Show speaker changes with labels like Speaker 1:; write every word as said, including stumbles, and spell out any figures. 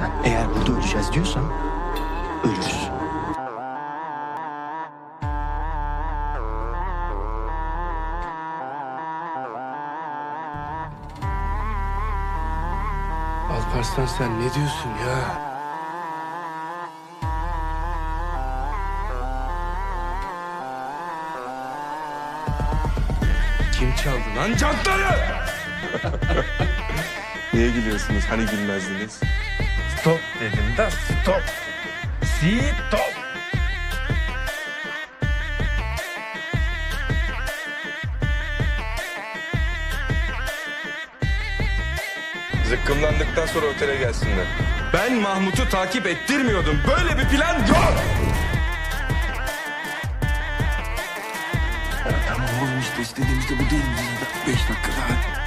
Speaker 1: Sen eğer burada öleceğiz diyorsan ölürüz.
Speaker 2: Alparslan sen ne diyorsun ya? Kim çaldı lan çantları?
Speaker 3: Niye gülüyorsunuz? Hani gülmezdiniz?
Speaker 2: Stop dedim de stop. Stop.
Speaker 3: Zıkkımlandıktan sonra otele gelsinler.
Speaker 2: Ben Mahmut'u takip ettirmiyordum. Böyle bir plan yok.
Speaker 1: Tamam oğlum işte istediğimiz de bu değil mi? Beş dakika daha.